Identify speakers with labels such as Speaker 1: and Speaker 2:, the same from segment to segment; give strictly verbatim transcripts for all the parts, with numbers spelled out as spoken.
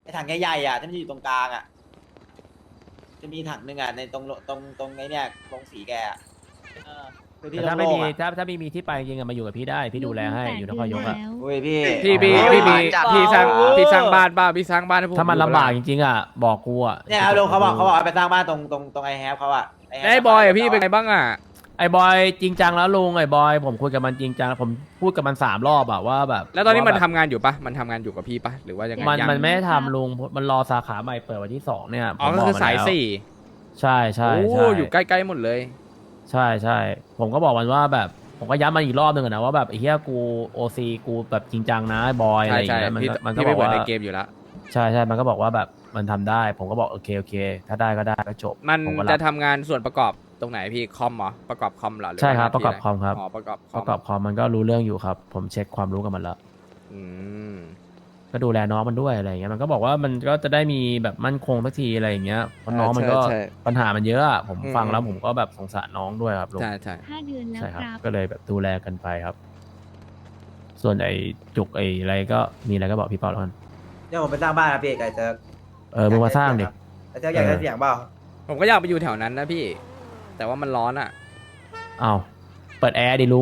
Speaker 1: อ้ถังใหญ่ๆอ่ะที่มันอยู่ตรงกลางอ่ะจะมีถังหนึ่งอ่ะในตรงตรงตรงไอ้เนี่ยตรงสีแกอ่ะเออคือที่
Speaker 2: แต่ถ้าไม่
Speaker 1: โล่
Speaker 2: มี
Speaker 1: งๆอ่ะ
Speaker 2: ถ้าถ้าไม่มีที่ไปจริงๆอะมาอยู่กับพี่ได้พี่ดูแลให้อยู่นครยกอะ
Speaker 1: โอ้ยพี่
Speaker 3: พี่พี่
Speaker 1: โอ้ย
Speaker 3: พี่มี
Speaker 1: จัด
Speaker 3: พี่สร้าง
Speaker 1: เปล่
Speaker 3: พี่สร้างบ้านบ้าพี่สร้างบ้านให้ผม
Speaker 2: ถ้ามัน
Speaker 3: อยู่
Speaker 2: ลำบาก
Speaker 3: ปะ
Speaker 2: จ
Speaker 3: ล่ะ
Speaker 2: ริงๆอ่ะบอกกูอ่ะ
Speaker 1: เนี่ยเอาลงเขาบอกเขาบอกเอาไปสร้างบ้านตรงตรงตรงไอแฮปเขาอ่ะไแฮป
Speaker 3: แล้วไอ้บอยอะพี่เป็นไงบ้างอ่ะ
Speaker 2: ไอ้บอยจริงจังแล้วลุงไอ้บอยผมคุยกับมันจริงจังผมพูดกับมันสามรอบอะว่าแบบ
Speaker 3: แล้วตอนนี้มัน
Speaker 2: ว่า
Speaker 3: ทำ
Speaker 2: แบบ
Speaker 3: งานอยู่ปะมันทำงานอยู่กับพี่ปะหรือว่ายังไง
Speaker 2: มัน
Speaker 3: ยัง
Speaker 2: มันไม่ได้ทำลุงมันรอสาขาใหม่เปิดวันที่สองเนี่ย
Speaker 3: อ๋อ
Speaker 2: ผม
Speaker 3: ก็
Speaker 2: บ
Speaker 3: คือ
Speaker 2: มัน
Speaker 3: สาย
Speaker 2: แล้ว
Speaker 3: สี่
Speaker 2: ใช่ใช่
Speaker 3: โอ้
Speaker 2: ใช่
Speaker 3: อยู่ใกล้ๆหมดเลย
Speaker 2: ใช่ใช่ผมก็บอกมันว่าแบบผมก็ย้ำมันอีกรอบหนึ่งอะนะว่าแบบไอ้เหี้ยกูโอซีกูแบบจริงจังนะไอ้บอยอะ
Speaker 3: ใช่
Speaker 2: ไรอย่าง
Speaker 3: ใช่
Speaker 2: เงี้ยมัน
Speaker 3: พี่
Speaker 2: ก็มันก็
Speaker 3: พี่
Speaker 2: บ
Speaker 3: ไม่
Speaker 2: อก
Speaker 3: เหมือน
Speaker 2: ว่า
Speaker 3: ในเกมอยู่แล้ว
Speaker 2: ใช่ใช่มันก็บอกว่าแบบมันทำได้ ผมก็บอกโอเคโอเค ถ้าได้ก็ได้ก็จบ
Speaker 3: มัน
Speaker 2: ผมก็
Speaker 3: จะ
Speaker 2: รับ
Speaker 3: ทำงานส่วนประกอบตรงไหนพี่คอมเหรอประกอบคอมเหรอหอ
Speaker 2: ใช่ครับ
Speaker 3: ว่าหน้าที่
Speaker 2: ประกอบคอมครับ
Speaker 3: อ๋อประกอบค
Speaker 2: ป
Speaker 3: อม
Speaker 2: ระกอบคอมมันก็รู้เรื่องอยู่ครับ ผมเช็คความรู้กับมันแล้ว
Speaker 3: อืม
Speaker 2: ก็ดูแลน้องมันด้วยอะไรอย่างเงี้ยมันก็บอกว่ามันก็จะได้มีแบบมั่นคงสักทีอะไรอย่างเงี้ยเพราะน้องมันก็
Speaker 3: ใช่
Speaker 2: ปัญหามันเยอะอะผม
Speaker 3: อืม
Speaker 2: ฟังแล้วผมก็แบบสงสารน้องด้วยครับลุง
Speaker 3: ใช่ใช่
Speaker 4: ห้าเดือนแล้ว
Speaker 2: ใช่ครับ
Speaker 4: ครับ
Speaker 2: ก็เลยแบบดูแลกันไปครับ ส่วนไอ้จุกไอ้อะไรก็มีอะไรก็บอกพี่เปาแล้วกัน
Speaker 1: เดี๋ยวผมไปสร้างบ้านนะพี่ไก่เซิร์ฟ
Speaker 2: เออมึงมาสร้างดิ
Speaker 1: ไก่เซิร์ฟอยากได้เสียงเปล่า
Speaker 3: ผมก็อยากไปอยู่แถวนั้นนะพี่ แต่ว่ามันร้อนอ่ะ
Speaker 2: อ้าวเปิดแอร์ดิลุง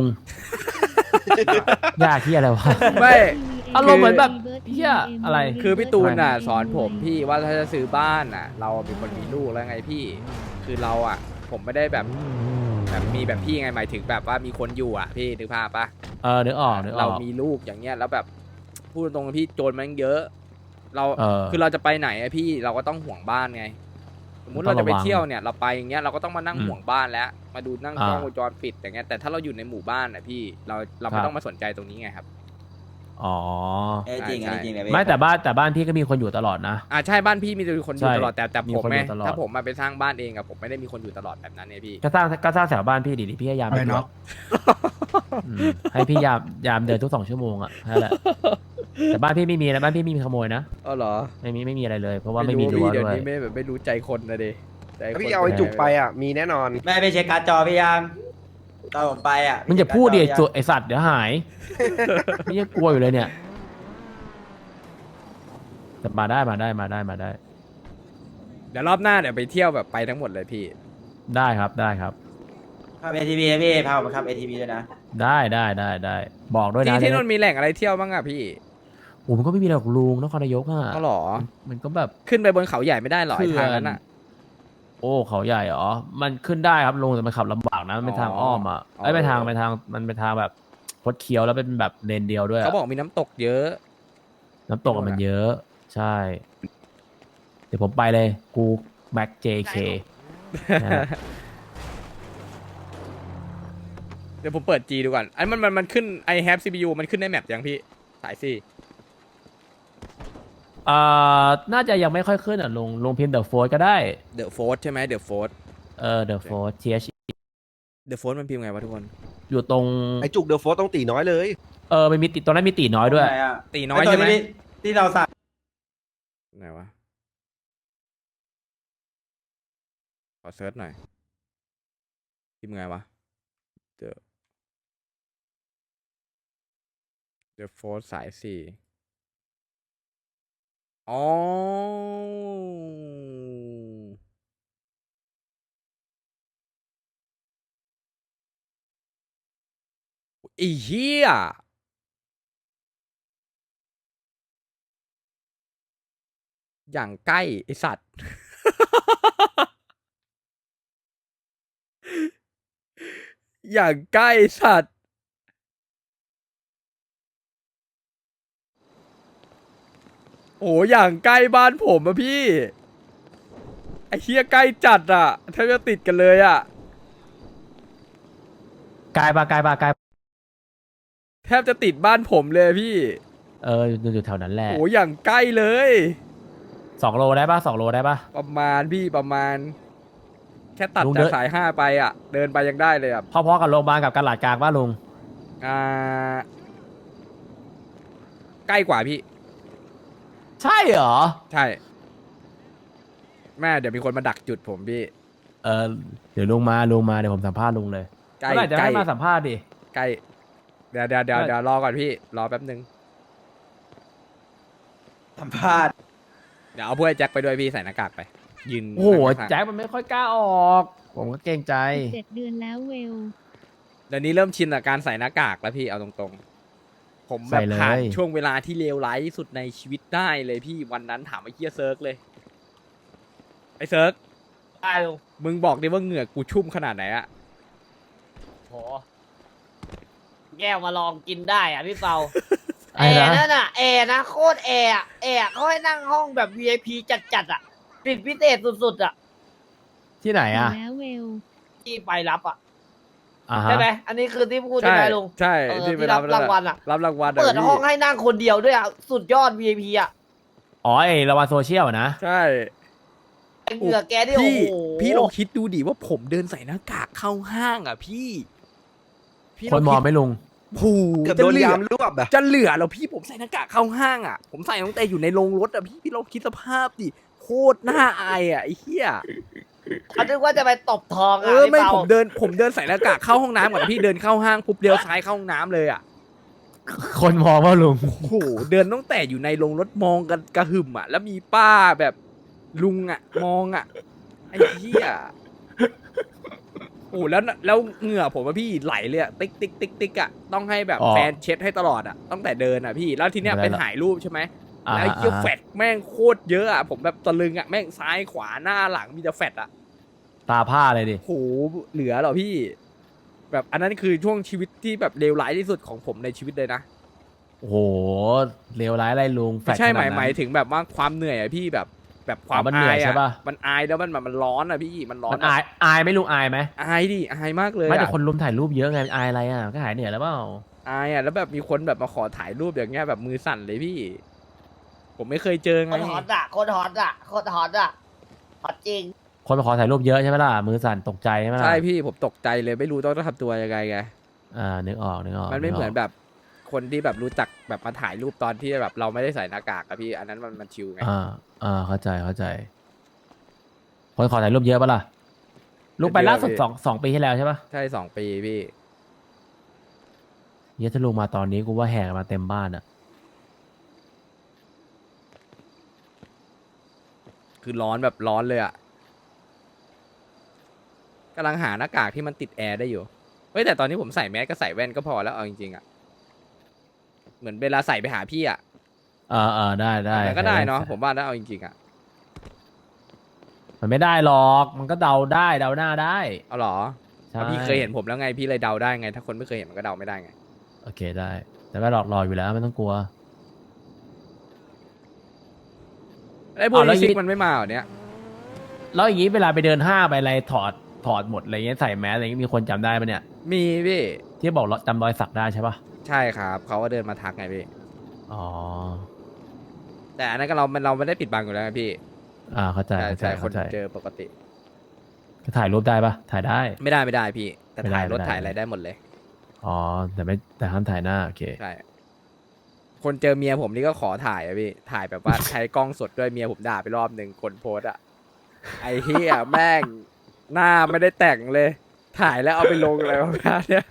Speaker 2: ยากที่อะไรวะ
Speaker 3: ไม่
Speaker 2: อารมณ์เหมือนแบบเหี้ยอะไร
Speaker 3: คือพี่ตูนน่ะสอนผมพี่ว่าถ้าจะซื้อบ้านน่ะ เราเป็นคนมีลูกแล้วไงพี่ คือเราอ่ะ ผมไม่ได้แบบแบบมีแบบพี่ไงหมายถึงแบบว่ามีคนอยู่อ่ะพี่นึกภาพปะ
Speaker 2: เออนึกออกนึกอ
Speaker 3: เรา
Speaker 2: อก
Speaker 3: มีลูกอย่างเงี้ยแล้วแบบพูดตรงๆพี่โจรมันเยอะ เรา
Speaker 2: เออ
Speaker 3: คือเราจะไปไหนอะพี่เราก็ต้องห่วงบ้านไง สมมุติ
Speaker 2: ต้อ
Speaker 3: เรา
Speaker 2: ง
Speaker 3: จะไป
Speaker 2: ระวัง
Speaker 3: เที่ยวเนี่ยเราไปอย่างเงี้ยเราก็ต้องมานั่ง
Speaker 2: อืม
Speaker 3: ห่วงบ้านแล้ว มาดูนั่ง
Speaker 2: อ่าก
Speaker 3: ล้องวงจรปิดอย่างเงี้ยแต่ถ้าเราอยู่ในหมู่บ้านอ่ะพี่เราเรา
Speaker 2: ครั
Speaker 3: ไม่
Speaker 2: บ
Speaker 3: ต้องมาสนใจตรงนี้ไงครับ
Speaker 2: อ๋อ
Speaker 1: เอ้ยจริง
Speaker 3: ใช่
Speaker 1: อันนี้จริงเลยพี่
Speaker 2: ไม่แต่บ้านแต่บ้านพี่ก็มีคนอยู่ตลอดนะ
Speaker 3: อ่าใช่บ้านพี่มีคนอยู่
Speaker 2: ใช่
Speaker 3: ตลอดแต่แต่
Speaker 2: มี
Speaker 3: ผม
Speaker 2: คน
Speaker 3: ไง
Speaker 2: อยู่ตลอด
Speaker 3: ถ้าผมมาไปสร้างบ้านเองอะผมไม่ได้มีคนอยู่ตลอดแบบนั้นเนี่ยพี่
Speaker 2: ก็สร้างก็สร้างแถวบ้านพี่ดิดิพี่พยายามไปตรวจอืมให้พี่ยามยามเดินทุกสองชั่วโมงอ่ะนั่นแหละแต่บ้านพี่ไม่มีนะบ้านพี่มีขโมยนะ
Speaker 3: อ๋อเหรอ
Speaker 2: ไม่มีไม่มีอะไรเลย เพราะว่าไม่
Speaker 3: รู้
Speaker 2: มีรั้ว
Speaker 3: พี่เดี๋ยว
Speaker 2: ด้วย
Speaker 3: นี้ไม่แบบไม่รู้ใจคนนะเดใจคน
Speaker 5: พี่เอาไอ้จุกไปอ่ะ มีแน่นอน
Speaker 1: แม่ไปเช็คการ์ดจอพี่ยังตอนผมไปอ่ะ
Speaker 2: มึงจะพูดดิ
Speaker 1: เช็คการ์จอ
Speaker 2: ไอสัตว์เดี๋ยวหาย นี่ยังกลัวอยู่เลยเนี่ยแต่มาได้มาได้มาได้มาได้
Speaker 3: เดี๋ยวรอบหน้าเดี๋ยวไปเที่ยวแบบไปทั้งหมดเลยพี่
Speaker 2: ได้ครับได้ครับ
Speaker 1: ขับเอทีบีพี่พาผมขับเอทีบีด้วยนะ
Speaker 2: ได้ได้ได้ได้บอกด้วย
Speaker 3: ที่
Speaker 2: นะ
Speaker 3: ที่นู่นมีแหล่งอะไรเที่ยวบ้างอะพี่
Speaker 2: โอ้มันก็ไม่มีหรอกลุงนครนายกอ่ะ
Speaker 3: ก็หรอ
Speaker 2: มันก็แบบ
Speaker 3: ขึ้นไปบนเขาใหญ่ไม่ได้หรอไอ้ทางนั้นอะ
Speaker 2: โอ้เขาใหญ่เหรอมันขึ้นได้ครับลุงแต่มันขับลำบากนะมันเป็นทางอ้อมอ่ะ
Speaker 3: อ๋อ
Speaker 2: ไอ้ยไปทางไปทางมันเป็นทางแบบคดเคี้ยวแล้วเป็นแบบเลนเดียวด้วยอะ
Speaker 3: เขาบอกมีน้ำตกเยอะ
Speaker 2: น้ำตกอะมันเยอะ ใช่ เดี๋ยวผมไปเลย กูแม็กเจเค
Speaker 3: เดี๋ยวผมเปิด G ดูก่อนอันมันมันมันขึ้น I have ซี พี ยู มันขึ้นในแมปยังพี่ สายสี่
Speaker 2: เอ่อ น่าจะยังไม่ค่อยขึ้นอ่ะลงลงพิมพ์เดอะโฟร์ก็ได้
Speaker 3: The Force ใช่ไหม The Force
Speaker 2: เออเดอะโฟร์ ที เอช
Speaker 3: The Force มันพิมพ์ไงวะทุกคน
Speaker 2: อยู่ตรง
Speaker 5: ไอ้จุกเดอะโฟสต้องตีน้อยเลย
Speaker 2: เออมันมีติดตรงนั้นมีตีน้อยด้วย
Speaker 1: ไหนอะ
Speaker 3: ตีน้อยใช่ไหม
Speaker 1: ไตัวที่ที่เราสั่ง
Speaker 3: ไหนวะ ขอเซิร์ชหน่อย พิมพ์ไงวะ The The Force สายสี่อ๋อไอ้เหี้ยอย่างใกล้ไอสัตว์ อย่างใกล้ไอ้สัตว์ โอ้อย่างใกล้บ้านผมอะพี่ ไอ้เหี้ยใกล้จัดอะแทบจะติดกันเลยอะ
Speaker 2: กายปะกายปะกาย
Speaker 3: แทบจะติดบ้านผมเลยพี่
Speaker 2: เอออยู่อยู่แถวนั้นแหละ
Speaker 3: โอ้อย่างใกล้เลย
Speaker 2: สองโลได้ปะสองโลได้ปะ
Speaker 3: ประมาณพี่ประมาณ แค่ตัด
Speaker 2: ลุง
Speaker 3: จา
Speaker 2: เดิ
Speaker 3: ก
Speaker 2: น
Speaker 3: สายห้าไปอ่ะ เดินไปยังได้เลยอ่ะ
Speaker 2: พอๆกับโรงพยาบาลกับกระหลาดกลางป่ะลุง
Speaker 3: อ่า ใกล้กว่าพี่
Speaker 2: ใช่เหรอ
Speaker 3: ใช่ แม่เดี๋ยวมีคนมาดักจุดผมพี่
Speaker 2: เออเดี๋ยวลุงมาลุงมาเดี๋ยวผมสัมภาษณ์ลุงเลย
Speaker 3: ใกล้
Speaker 2: เมื่อไหร่จะ
Speaker 3: ใกล้
Speaker 2: ให้มาสัมภาษณ์ดิ
Speaker 3: ใกล้ เดี๋ยวเดี๋ยวเดี๋ยว
Speaker 2: ไม่
Speaker 3: เดี๋ยวรอก่อนพี่ รอแป๊บนึง
Speaker 1: สัมภาษณ์
Speaker 3: เดี๋ยวเอาพวกไอ้แจ็คไปด้วยพี่ใส่หน้ากากไป ยืน
Speaker 2: โอ้โห
Speaker 3: ข้างๆ
Speaker 2: แจ็คมันไม่ค่อยกล้าออก ผมก็เกรงใจ
Speaker 4: เจ็ดเดือนแล้วเวล
Speaker 3: เดี๋ยวนี้เริ่มชินกับการใส่หน้ากากแล้วพี่เอาตรงๆ ผมแบ
Speaker 2: ใส่
Speaker 3: บ
Speaker 2: เลย
Speaker 3: ผ่านช่วงเวลาที่เลวร้ายที่สุดในชีวิตได้เลยพี่วันนั้นถามไอ้เฮียเซิร์กเลย ไอ้เซิร์ก
Speaker 6: ได้ลุง
Speaker 3: มึงบอกดิว่าเหงื่อกูชุ่มขนาดไหนอะ
Speaker 6: โหแก้วมาลองกินได้อ่ะพี่เปา
Speaker 2: ไอ้
Speaker 6: แอ
Speaker 2: นะ
Speaker 6: ร์นั่นอ่ะแอร์นะโคตรแอร์อะแอร์เขาให้นั่งห้องแบบ วี ไอ พี จัดๆอ่ะติดพิเศษสุดๆอ่ะ
Speaker 2: ที่ไหนอ่ะ
Speaker 4: แล้วเวล
Speaker 6: ที่ไปรับอ่ะ
Speaker 2: อ่าฮะ
Speaker 6: ใช่ไหมอันนี้คือที่พูดใช่
Speaker 3: ใช่
Speaker 6: ไหมลุง
Speaker 3: ใช่
Speaker 6: เออ
Speaker 3: ที่ไป
Speaker 6: ที่
Speaker 3: รั
Speaker 6: รั
Speaker 3: บบ
Speaker 6: รางวัลอ่ะ
Speaker 3: รับรางวัลอะ
Speaker 6: เปิด
Speaker 3: พี่
Speaker 6: ห้องให้นั่งคนเดียวด้วยอ่ะสุดยอด วี ไอ พี อ่ะ
Speaker 2: อ๋อไอระวันโซเชียลนะ
Speaker 3: ใช่
Speaker 6: ไอ้เหงื่อแกนี่โอ้
Speaker 3: พี่
Speaker 6: โห
Speaker 3: พี่ลองคิดดูดิว่าผมเดินใส่หน้ากากเข้าห้างอ่ะพี่พี่
Speaker 2: คนมองไหม่ลุง
Speaker 3: ผู
Speaker 5: เกือบ
Speaker 3: จะ
Speaker 5: โดน
Speaker 3: เหลือย
Speaker 5: ามรวบอะ
Speaker 3: จะเหลือแล้วพี่ผมใส่หน้ากากเข้าห้างอ่ะ ผมใส่ตั้งแต่อยู่ในโรงรถอ่ะพี่พี่ลองคิดสภาพดิโคตรน่าอายอ่ะไอ้เหี้ย
Speaker 6: เขาคิดว่าจะไปตบทอง
Speaker 3: เอ
Speaker 6: อ่ะ
Speaker 3: อ
Speaker 6: พี่
Speaker 3: ไม่
Speaker 6: เปา
Speaker 3: ผมเดินผมเดินใส่หน้ากากเข้าห้องน้ำก่อนพี่เดินเข้าห้างปุ๊บเดียวซ้ายเข้าห้องน้ำเลยอ่ะ
Speaker 2: คนมองว่าลุง
Speaker 3: โอ้โหเดินตั้งแต่อยู่ในโรงรถมองกันกระหึ่มอ่ะแล้วมีป้าแบบลุงอ่ะมองอ่ะไอ้เหี้ยโอ้แล้วแล้วเหงื่อผมว่าพี่ไหลเลยอะติ๊กติ๊กติ๊กติ๊กอ่ะต้องให้แบบ
Speaker 2: อ๋อ
Speaker 3: แฟนเช็ดให้ตลอดอ่ะตั้งแต่เดินอ่ะพี่แล้วทีเนี้ย
Speaker 2: ไม่
Speaker 3: เป็น
Speaker 2: ได้ละ
Speaker 3: ถ่ายรูปใช่ไหม
Speaker 2: อ่า
Speaker 3: แล้วไอ้เหี้ย
Speaker 2: อ่า
Speaker 3: แฟดแม่งโคตรเยอะอ่ะผมแบบตะลึงอ่ะแม่งซ้ายขวาหน้าหลังมีแต่แฟดอ่ะ
Speaker 2: ตาผ้าเลยดิ
Speaker 3: โหเหลือเหรอพี่ แบบอันนั้นคือช่วงชีวิตที่แบบเลวร้ายที่สุดของผมในชีวิตเลยนะ
Speaker 2: โอ้โหเลวร้ายอะไรลุงแฟ
Speaker 3: ไม่
Speaker 2: ด
Speaker 3: ใช่
Speaker 2: ข
Speaker 3: ห
Speaker 2: นาด
Speaker 3: มาย
Speaker 2: นั้น
Speaker 3: หมายถึงแบบว่าความเหนื่อยอะพี่แบบแบบความ
Speaker 2: อ๋อมันเหนื่
Speaker 3: อา
Speaker 2: อย
Speaker 3: ย
Speaker 2: ใช่
Speaker 3: อะ
Speaker 2: ปะ
Speaker 3: มันอายแล้วมันแบบมันร้อนอะพี่มันร้อน
Speaker 2: มันอายอายไหม่ลุงอายไหม
Speaker 3: อายดิอายมากเลย
Speaker 2: ไม่แต่
Speaker 3: อะ
Speaker 2: คนรุมถ่ายรูปเยอะไงอายอะไรอ่ะก็หายเหนื่อยแล้วเปล่า
Speaker 3: อายอะแล้วแบบมีคนแบบมาขอถ่ายรูปอย่างเงี้ยแบบมือสั่นเลยพี่ ผมไม่เคยเจอ
Speaker 6: โค
Speaker 3: ไง
Speaker 6: ตรฮอตอ่ะโคตรฮอตอ่ะโคตรฮอตอ่ะฮอตจริง
Speaker 2: คนมาขอถ่ายรูปเยอะใช่ไหมล่ะมือสั่นตกใจใช่ไหมล่ะ
Speaker 3: ใช่พี่ผมตกใจเลยไม่รู้ต้องทำตัวยังไงไง
Speaker 2: อ่านึกออกนึกออก
Speaker 3: มันไม่เหมือน
Speaker 2: ก
Speaker 3: แบบคนที่แบบรู้จักแบบมาถ่ายรูปตอนที่แบบเราไม่ได้ใส่หน้ากากอะพี่ อันนั้นมันมันชิวไง
Speaker 2: อ่าอ่าเข้าใจเข้าใจ คนขอถ่ายรูปเยอะปะล่ะลูกไปล่าสุดสองสองปีที่แล้วใช่ปะ
Speaker 3: ใช่สองปีพี่
Speaker 2: เยอะถ้าลุงมาตอนนี้กูว่าแห่กันมาเต็มบ้านอ่ะ
Speaker 3: คือร้อนแบบร้อนเลยอะกำลังหาหน้ากากที่มันติดแอร์ได้อยู่เฮ้ยแต่ตอนนี้ผมใส่แมสก็ใส่แว่นก็พอแล้วเอาจริงๆอะเหมือนเวลาใส่ไปหาพี่อะ
Speaker 2: อ่าอ่าได้ได้
Speaker 3: แต่ก็ได้เนาะ
Speaker 2: ใส่
Speaker 3: ผมว่าถ้าเอาจริงๆอะ
Speaker 2: มันไม่ได้หรอก มันก็เดาได้เดาหน้าได้
Speaker 3: เอาเหรอ
Speaker 2: ใช่
Speaker 3: เพราะพี่เคยเห็นผมแล้วไงพี่เลยเดาได้ไง ถ้าคนไม่เคยเห็นมันก็เดาไม่ได้ไง
Speaker 2: โอเคได้ แต่ไม่หลอกหลอกอยู่แล้วไม่ต้องกลัว
Speaker 3: ไอ้พวก
Speaker 2: เอาแล้ว
Speaker 3: นี้ซิก
Speaker 2: ยี่
Speaker 3: มันไม่มาเหรอเนี้ย
Speaker 2: แล้วอย่างนี้เวลาไปเดินห้างไปอะไรถอดถอดหมดอะไรเงี้ยใส่แมสอะไรเงี้ยมีคนจำได้ปะเนี่ย
Speaker 3: มีพี่
Speaker 2: ที่บอกจำรอยสักได้ใช่ปะ
Speaker 3: ใช่ครับเขาก็เดินมาทักไงพี่
Speaker 2: อ๋อ
Speaker 3: แต่อันนั้นก็เรามันเราไม่ได้ปิดบังอยู่แล้วไงพี่
Speaker 2: อ่าเข้าใจ
Speaker 3: ใช่
Speaker 2: เข้าใจ
Speaker 3: ใช่ค
Speaker 2: เข้าน ใจ
Speaker 3: เจอปกติ
Speaker 2: ก็ถ่ายรูปได้ปะถ่ายได้
Speaker 3: ไม่ได้ไม่ได้พี่ แต่
Speaker 2: ไม่ได้
Speaker 3: ถ่ายรถ
Speaker 2: ไม่ได้
Speaker 3: ถ่ายอะไรได้หมดเลย
Speaker 2: อ๋อแต่ไม่แต่ห้ามถ่ายหน้าโอเค
Speaker 3: ใช่ คนเจอเมียผมนี่ก็ขอถ่ายอะพี่ ถ่ายแบบว่า ใช้กล้องสดด้วยเมียผมด่าไปรอบหนึ่งคนโพสต์อะไอ้เฮียแม่งหน้าไม่ได้แต่งเลย ถ่ายแล้วเอาไปลงอะไรประมาณเนี้ย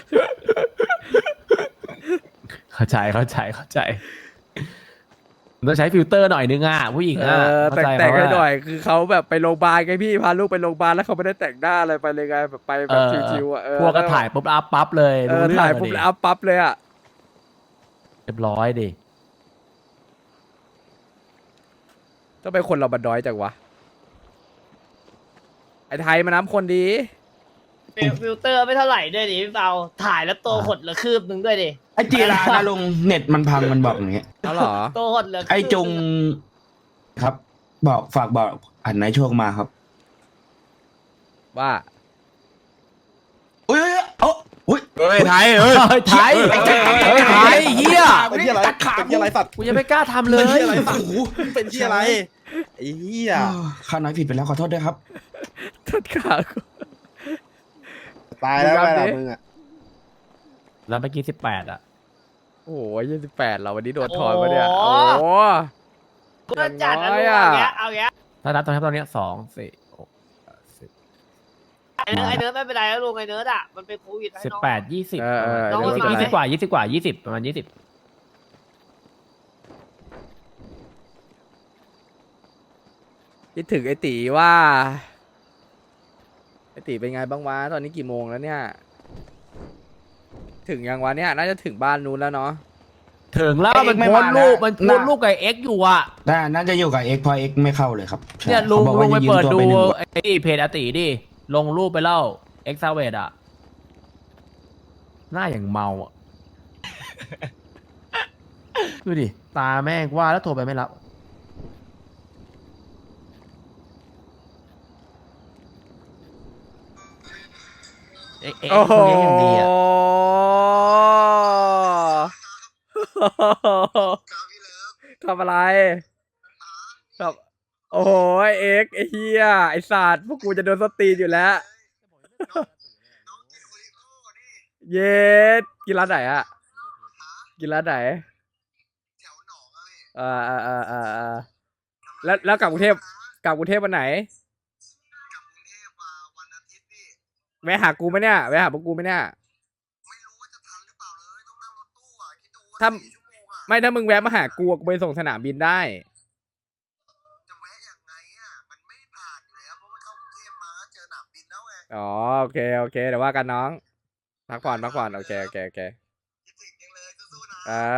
Speaker 2: เข้าใจเข้าใจเข้าใจมันต้องใช้ฟิลเตอร์หน่อยนึงอ่ะผู้หญิง
Speaker 3: เอ
Speaker 2: อ่ะ
Speaker 3: อ
Speaker 2: เข้า
Speaker 3: แต่ง
Speaker 2: ใจ
Speaker 3: แต่ง
Speaker 2: เพ
Speaker 3: ให้
Speaker 2: ราะว่า
Speaker 3: หน่อย คือเขาแบบไปโรงพยาบาลไงพี่ พาลูกไปโรงพยาบาลแล้วเขาไม่ได้แต่งหน้าอะไรไปเลยไงแบบไปแบบ
Speaker 2: เออ
Speaker 3: ชิวๆอะเออ
Speaker 2: พวกก็ถ่ายปุ๊บอัพปั๊บเลย
Speaker 3: เอ
Speaker 2: รู้
Speaker 3: อ
Speaker 2: เรื่อง
Speaker 3: ถ่าย
Speaker 2: อะ
Speaker 3: ปุ๊บ
Speaker 2: ดิ
Speaker 3: แล้วอัพปั๊บเลยอะ
Speaker 2: เรียบร้อยดิ
Speaker 3: ต้องเป็นคนเราบันดอยจังวะ ไอ้ไทยมาน้ำคนดี
Speaker 6: ฟิลเตอร์ไม่เท่าไหร่ด้วยดิพี่เปาถ่ายแล้วตัวหดเหลือคืบหนึ่งด้วยดิ
Speaker 7: ไอจีรานะลุงเน็ตมันพังมันบอกอย่างเงี้ย
Speaker 3: เอาเหรอ
Speaker 6: ตัวหดเหลือคืบ
Speaker 7: ไอจงครับ บอกฝากบอกอันไหนโชคมาครับ
Speaker 3: ว่า
Speaker 7: อุ้ยเอ้ยอุ้ย
Speaker 5: เฮ้ยไทยเฮ้ย
Speaker 2: เฮ้ยไทยเฮ้ยไทยเฮีย
Speaker 5: เป็นที่อะไร
Speaker 7: ตัดขา
Speaker 5: เป็นที่อะไรสัตว์
Speaker 2: กูยังไม่กล้าทำเลย
Speaker 5: เป็นที่อะไรสัตว์เป็นที่อะไรไอ้เหี้ย
Speaker 7: อ้าวข้าน้อยผิดไปแล้วขอโทษด้วยครับ
Speaker 3: ทัดขากู
Speaker 5: ตายแล้ว
Speaker 3: มึง
Speaker 5: ไป
Speaker 3: รับดิ
Speaker 5: ละมึงอ่ะ
Speaker 2: แล้วเมื่อกี้สิบแปดอ่ะ
Speaker 3: โอ้โหยี่สิบแปดเราวันนี้โดนถอนมาเนี่ย โอ้โห
Speaker 6: กูจะจัด
Speaker 3: อย่าง
Speaker 6: อะ
Speaker 3: น้
Speaker 6: ไร
Speaker 3: อย
Speaker 6: เอา
Speaker 3: อะ
Speaker 6: เงี้ยเอาเงี้ย
Speaker 2: ถ้านับตอนนี้ตอนนี้สองสี่หกสิบ
Speaker 6: ไอ้เนื้อไอ้เนื้อไม่เป็นไรแล้วลุงไอ้เนื้ออ่ะมันเป็นโควิดให้
Speaker 2: สิบ
Speaker 6: น้อง
Speaker 2: แปดยี่สิบ
Speaker 3: เออเออ
Speaker 6: น้อง
Speaker 2: ยี่สิบ
Speaker 6: มา
Speaker 2: ยี่สิบกว่ายี่สิบกว่ายี่สิบประมาณยี่สิบ
Speaker 3: คิดถึงไอตีว่าไอตีเป็นไงบ้างวะตอนนี้กี่โมงแล้วเนี่ย ถึงยังวะเนี่ยน่าจะถึงบ้านนู้นแล้วเนาะ
Speaker 2: ถึงแล้ว
Speaker 7: เอ็
Speaker 2: มัน
Speaker 7: กซ์ไม่
Speaker 2: โพส
Speaker 7: มา
Speaker 2: ต์รูป
Speaker 7: นะ
Speaker 2: มันโพสต์
Speaker 7: น่ะ
Speaker 2: รูปกับเอ็กซ์อยู่อ่ะ
Speaker 7: น่าน่าจะอยู่กับเอ็กเพราะเอ็กไม่เข้าเลยครับใช่
Speaker 2: เนี่ยลุง
Speaker 7: ขาบอก
Speaker 2: ลุ
Speaker 7: ว่าง
Speaker 2: ไป
Speaker 7: จะยืม
Speaker 2: เปิด
Speaker 7: ตัว
Speaker 2: ดู
Speaker 7: ไปหนึ่งวัน
Speaker 2: ไอ้เพจอาติดิลงรูปไปเล่าเอ็กซ์ซาเวดอ่ะหน้าอย่างเมาอ่ะ ดูดิ ตาแม่งว่าแล้วโทรไปไม่รับเอ็กซ์เอ็ก
Speaker 3: โอ้
Speaker 2: ซ์
Speaker 3: โห
Speaker 2: คนนี้อย่างดีอ่ะ
Speaker 3: ทำอะไรครับโอ้โหไอ้เอ็กซ์ไอ้เฮียไอ้สัตว์พวกกูจะโดนสตรีนอยู่แล้ว เย็ดกินร้านไหนอะกินร้านไหนอ่าอ่าอ่าอ่าอ่าแล้วแล้วกลับกรุงเทพกลับกรุงเทพวันไหนแวะหากูไหมเนี่ยแวะหาพวกกูไหมเนี่ยถ้าไม่ถ้ามึงแวะมาหากูกูไปส่งสนามบินได้อ๋อโอเคโอเคเดี๋ยวว่ากันน้องพักผ่อนพักผ่อนโอเคโอเคโอเคอ่า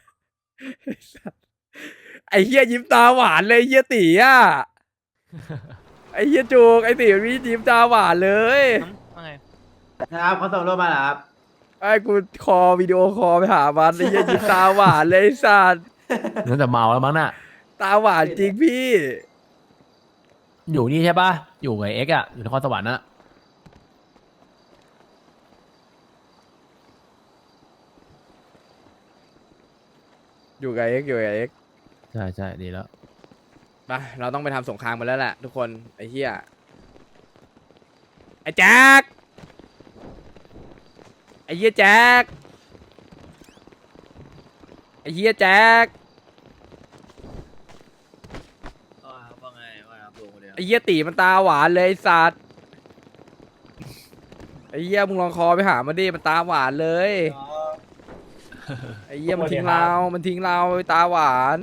Speaker 3: ไอ้เฮียยิ้มตาหวานเลยเฮียตีอ่ะ ไอ้เฮียจูกไอ้ตีมันมียิ้มตาหวานเลย
Speaker 1: ครับเขาส่งรูปมาเหรอครับ
Speaker 3: ไอ้กูคอวิดีโอคอลไปหามันไอ้เฮียยิ้มตาหวานเลยไอ้สัตว์
Speaker 2: นั่นแต่เมาแล้วมั้งน่ะ
Speaker 3: ตาหวานจริงพี่
Speaker 2: อยู่นี่ใช่ปะอยู่กับเอ็กซ์อ่ะอยู่นครสวรรค์น่ะ
Speaker 3: อยู่กับเอ็กซ์อยู่กับเอ็กซ์
Speaker 2: ใช่ใช่ดีแล้ว
Speaker 3: ไปเราต้องไปทำสงครามกันแล้วแหละทุกคนไอ้เฮียไอ้แจ็คไอ้เฮียแจ็คไอ้เฮียแจ็ค
Speaker 6: ว่าไงว่าครับลุงคนเดียว
Speaker 3: ไอ้เฮียตีมันตาหวานเลยไอ้สัตว์ไอ้เฮียมึงลองคอไปหามันดิมันตาหวานเลยไอ้เฮียมันทิ้งเรา มันทิ้งเราตาหวาน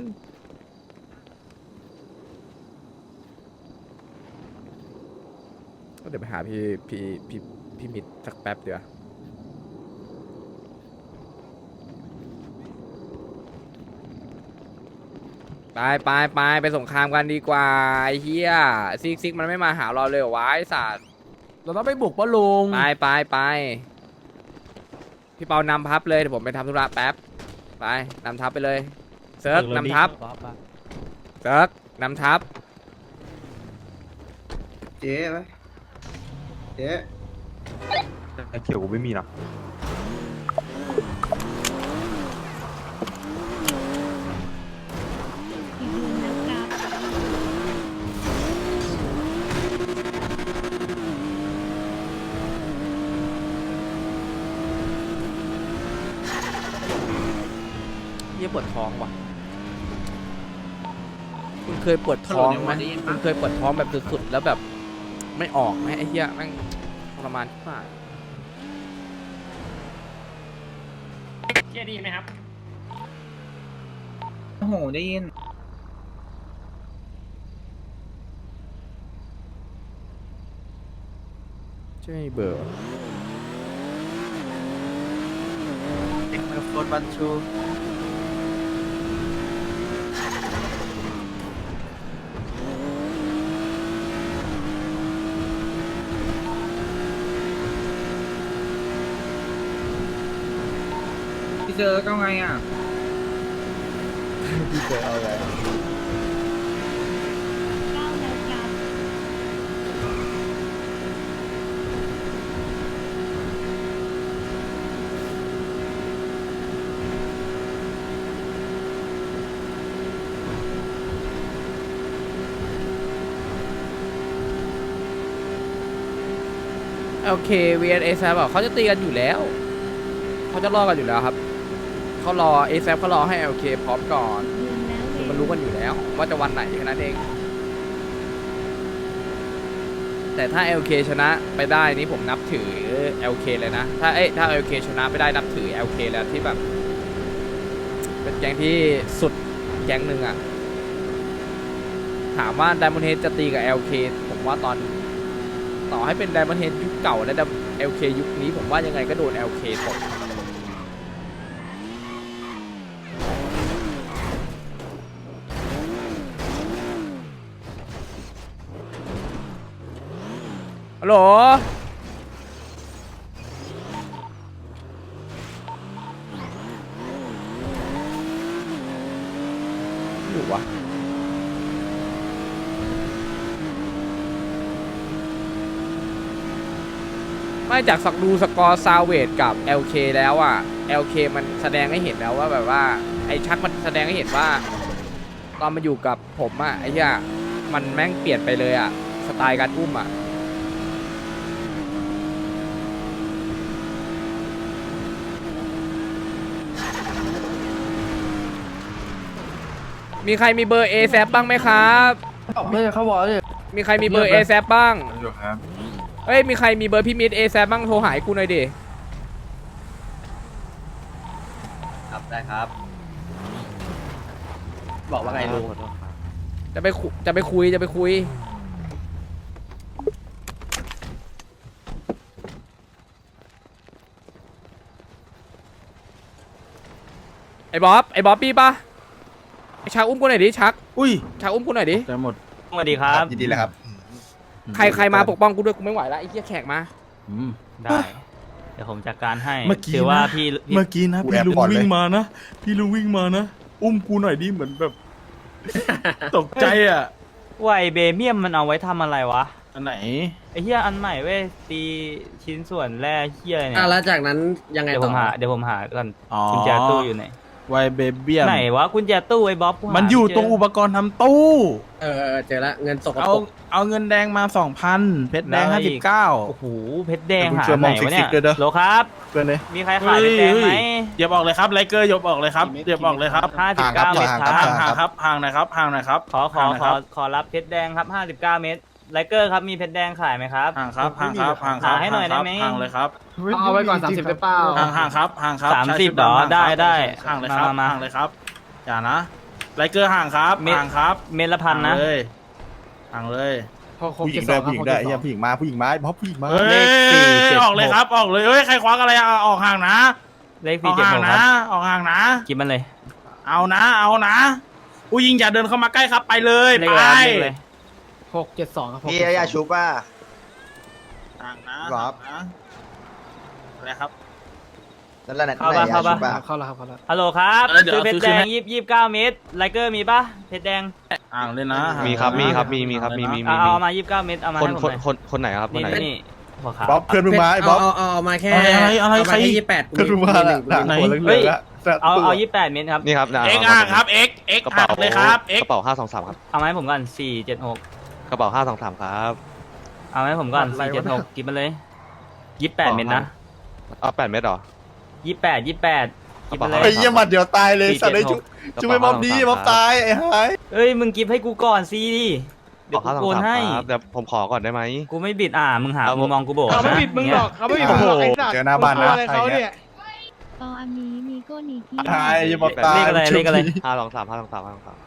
Speaker 3: ก็เดี๋ยวไปหาพี่พี่พี่พี่มิดสักแป๊บเดียวไปไปไปไปสงครามกันดีกว่าไอ้เฮียซิกซิกมันไม่มาหาเราเลยเหรอวะไอ้สัตว์
Speaker 2: เราต้องไปบุกปะลุง
Speaker 3: ไปไปไปพี่เปานำทัพเลยเดี๋ยวผมไปทำธุระแป๊บไปนำทัพไปเลยเซิร์กนำทัพเซิร์กนำทัพ
Speaker 5: เจ๊ไหมเจ๊ไอเขียวกูไม่มีนะ
Speaker 3: เยี่ยปวดท้องว่ะคุณเคยปวดท้องไหมคุณเคยปวดท้องแบบสุดๆแล้วแบบไม่ออกไหมไอ้เหี้ยแม่งทรมานมาก
Speaker 4: เกียร์ดีไหมครับ
Speaker 1: โอ้โหได้ยิน
Speaker 3: ใช่เบอร์
Speaker 1: โฟนบันชูพี่เจอก็ไงอ่ะ
Speaker 3: พี่เจอเอาไง โอเค วี เอ็น เอ แซบอกเขาจะตีกันอยู่แล้วเขาจะรอกันอยู่แล้วครับเขารอ เอ แซเขารอให้ โอเค พร้อมก่อนคือมันรู้กันอยู่แล้ว ว่าจะวันไหนแค่นั้นเอง แต่ถ้า แอล เค ชนะไปได้นี่ผมนับถือ แอล เค เลยนะ ถ้าเอ้ยถ้า แอล เค ชนะไปได้นับถือ แอล เค แล้วที่แบบ เป็นแก๊งที่สุดแก๊งหนึ่งอ่ะถามว่า Diamond Head จะตีกับ แอล เค ผมว่าตอนต่อให้เป็น Diamond Head ยุคเก่าและ แอล เค ยุคนี้ผมว่ายังไงก็โดน แอล เค ตกฮัลโหลอยู่วะไม่จากสักดูสกอร์ซาวเวดกับ แอล เค แล้วอ่ะ แอล เค มันแสดงให้เห็นแล้วว่าแบบว่าไอ้ชักมันแสดงให้เห็นว่าตอนมาอยู่กับผมอ่ะไอ้เหี้ยมันแม่งเปลี่ยนไปเลยอ่ะสไตล์การอุ้มอ่ะมีใครมีเบอร์ A แซบ้างไหมครับไม่เขาบอกเลยมีใครมีเบอร์ A แซบ้างเอ้ยมีใครมีเบอร์พี่มิด A แซบ้างโทรหากูหน่อยดิ
Speaker 1: ครับได้ครับ บอกว่าไงลุง
Speaker 3: จะไปคุจะไปคุยจะไปคุยไอ้บ๊อบไอ้บ๊อบปี้ปะไอ้ชักอุ้มกูหน่อยดิชัก
Speaker 8: อุ้ย
Speaker 3: ชักอุ้มกูหน่อยดิ
Speaker 8: จะหมด
Speaker 4: สวัสดีครับ
Speaker 8: ยินดีเลยครับ
Speaker 3: ใครใครมาปกป้องกูด้วยกูไม่ไหวแล้วไอ้เหี้ยแขกมา
Speaker 8: อืม
Speaker 4: ได้ เดี๋ยวผมจัดการให้
Speaker 8: เมื่อกี้
Speaker 4: ถือว่า
Speaker 8: นะ
Speaker 4: พี่พี่
Speaker 8: เมื่อกี้นะ
Speaker 5: กู
Speaker 8: พี่
Speaker 5: แอบ
Speaker 8: ลุง
Speaker 5: ก่อนเลย
Speaker 8: วิ่งมานะ พี่ลุงวิ่งมานะ อุ้มกูหน่อยดิเหมือนแบบ ตกใจอ่ะ
Speaker 4: ไวเบเมียมมันเอาไว้ทำอะไรวะ
Speaker 8: อันไหน
Speaker 4: ไอ้เหี้ยอันใหม่เว้ยตีชิ้นส่วนแร่เหี้ยอะไรเนี่ย
Speaker 6: อ่ะแล้วจากนั้นยังไง
Speaker 4: เดี๋ยว
Speaker 6: ต่
Speaker 4: ผ
Speaker 6: อ
Speaker 4: มหาเดี๋ยวผมหาก่อน
Speaker 8: อ๋อ
Speaker 4: กุญแจตู้อยู่ไหน
Speaker 8: ไวเบเบียม
Speaker 4: ไหนวะกุญแจตู้ไอ้บ๊อบกูหา
Speaker 8: มันอยู่
Speaker 4: ไเจ
Speaker 8: ตรงอุปกรณ์ทำตู้
Speaker 6: เออเออเจอละเงินสกป
Speaker 8: เอา
Speaker 6: รก
Speaker 8: เอาเงินแดงมาสองพันเพชรแดงห้าสิบเก้า
Speaker 4: โอ้โหเพชรแดง
Speaker 8: เดี๋ยวคุณ
Speaker 4: หา
Speaker 8: เชื่อ
Speaker 4: ไหน
Speaker 8: มอง
Speaker 4: วะเนี่
Speaker 8: ซิ
Speaker 4: ย
Speaker 8: กๆด้วยเด้อ
Speaker 4: โหลครับ
Speaker 8: เกินเลย
Speaker 4: มีใครขายเพชรแดงไหม
Speaker 8: อย่าบอกเลยครับไลเกอร์อย่าบอกเลยครับอย่าบอกเลยครับ
Speaker 4: ห้าสิบเก้าเมตรค
Speaker 8: ห่าง
Speaker 4: รับ
Speaker 8: ห่างครับห่างหน่อยครับห่างหน่อยครับ
Speaker 4: ขอขอ
Speaker 8: ห่างหน่ย
Speaker 4: ข
Speaker 8: ค
Speaker 4: อ
Speaker 8: รับ
Speaker 4: ขอรับเพชรแดงครับห้าสิบเก้าเมตรไลเกอร์ครับมีเพชรแดงขายไหมครับ
Speaker 8: ห่างครับห่างครับห่างครับ
Speaker 4: หาให้หน่อยได้ไหม
Speaker 8: ห่างเลยครับ
Speaker 6: เอาไว้ก่อนสามสิบเปล่า
Speaker 8: ห่างห่างครับห่างครับ
Speaker 4: สามสิบ
Speaker 8: ใช่
Speaker 4: เหรอ
Speaker 8: ห่างครับ
Speaker 4: ได้ได้
Speaker 8: ห่างเลยครับ
Speaker 4: มามา
Speaker 8: ห่างเลยครับอย่านะไลเกอร์ห่างครับ
Speaker 4: เม็ด
Speaker 8: ห่างครับ
Speaker 4: เมตรละพันนะ
Speaker 8: ห่างเลยห่างเลย
Speaker 5: ผู้หญิงด้วยผู้หญิงด้วยไอ้เหี้ยผู้หญิงมาผู้หญิงมาไอ้บ๊อบผู้หญิงมา
Speaker 8: เฮ้
Speaker 4: เลขสี่
Speaker 8: ย
Speaker 4: เจ็ด
Speaker 8: ออกเลย
Speaker 4: หก
Speaker 8: ครับออกเลยเฮ้ยใครควักอะไรอ่ะออกห่างนะ
Speaker 4: เลข
Speaker 8: อ
Speaker 4: สี่
Speaker 8: อก
Speaker 4: เจ็ด
Speaker 8: ห่าง
Speaker 4: หกค
Speaker 8: นะ
Speaker 4: รับ
Speaker 8: ออกห่างนะ
Speaker 4: กินมันเลย
Speaker 8: เอานะเอานะผู้หญิงอย่าเดินเข้ามาใกล้ครับไปเลย
Speaker 4: เล
Speaker 8: ไป
Speaker 4: ขอะไรครับเลขอะไร
Speaker 6: หกเจ็ดสองครับ
Speaker 5: พี่ไอ้ยาชูป้า
Speaker 8: ห่างนะ
Speaker 5: ครับ
Speaker 8: ห่างนะอะไรครับ
Speaker 5: นั่นแหละ
Speaker 4: เข้าปะเข้าปะ
Speaker 6: เข้าแล้วครับเข้าแล้ว
Speaker 4: ฮัลโหลครับ
Speaker 8: เออเดี๋ยว
Speaker 4: ซื้อเพชร
Speaker 8: ซื้
Speaker 4: แด
Speaker 8: อคืน
Speaker 4: ง
Speaker 8: ให้
Speaker 4: ยี่สิบยี่สิบเก้าเมตรไลเกอร์มีปะเพชรแดง
Speaker 8: ห่างเลยนะห่าง
Speaker 9: มีครับ
Speaker 8: นะ
Speaker 9: มีครับมีมีครับมีมี
Speaker 4: เอาเอามายี่สิบเก้าเมตรเอามา
Speaker 9: คน
Speaker 4: ให้ผม
Speaker 9: คน
Speaker 4: หน่อย
Speaker 9: คนคนไหนครับคน
Speaker 4: นี่
Speaker 9: ไหน
Speaker 4: นี่หัวขาว
Speaker 5: บ๊อบเพื่อนมึงมาไอ้บ๊อบ
Speaker 6: เอาเอาเอามาแค่
Speaker 8: อะไรอะไรอะไร
Speaker 6: เอา
Speaker 8: ใคร
Speaker 6: มาแค่ยี่แปด
Speaker 5: เพื่อนมึงมาละหนังหัวเหลืองๆละแสบ
Speaker 4: เอา
Speaker 5: ตัว
Speaker 4: เอายี่สิบแปดเมตรครับ
Speaker 9: นี่ครับนะ
Speaker 8: เอ็กห่างครับเอ็กเอ็ก
Speaker 9: กระ
Speaker 8: ห่า
Speaker 9: เป๋าง
Speaker 8: เลยครับเอ็ก
Speaker 9: กระเป๋าห้าสองสามครับ
Speaker 4: เอามาให้ผมก่อนสี่เจ็ดหก
Speaker 9: กระเป๋าห้าสองสามครับ
Speaker 4: เอามาให้ผมก่อนสี่เจ็ดหกกินมันเลยยี่สิบแปดเมตรนะ
Speaker 9: เอาแปดเมตรเหรอ
Speaker 4: ยี่สิบแปดยี่สิบแปดกินมันเล
Speaker 5: ไอ้
Speaker 4: ย
Speaker 5: เหี้ยหมัดเดียวตายเลยสัตว์ไอ้ชุ
Speaker 9: กระ
Speaker 5: ช่ว
Speaker 9: เป๋าย
Speaker 5: บ๊อบดีบ๊อบตายไอ้หาย
Speaker 4: เอ้ยมึงกิฟให้กูก่อนสิเดี๋ยว
Speaker 9: ห้า
Speaker 4: กู
Speaker 9: สอง
Speaker 4: โกน
Speaker 9: สาม
Speaker 4: ให้
Speaker 9: ครับเดี๋ยวผมขอก่อนได้ไหม
Speaker 4: กูไม่บิดอ่ามึงหา
Speaker 9: เอา
Speaker 4: มึงมองกูโบก
Speaker 6: เขาไม่
Speaker 4: นะ
Speaker 6: บิดมึงหรอกเขาไม่บิดมึงหรอกไอ้สัตว์
Speaker 5: เจอหน้าบ้านนะ
Speaker 6: อะไรเขาเนี่ย
Speaker 10: ตออันนี้มีโก้นีกี้
Speaker 5: หายอย่าบ๊อบตาย
Speaker 4: เลขอะไรเลขอะไร
Speaker 9: ห้าสองสามห้าสองสามห้าสองสาม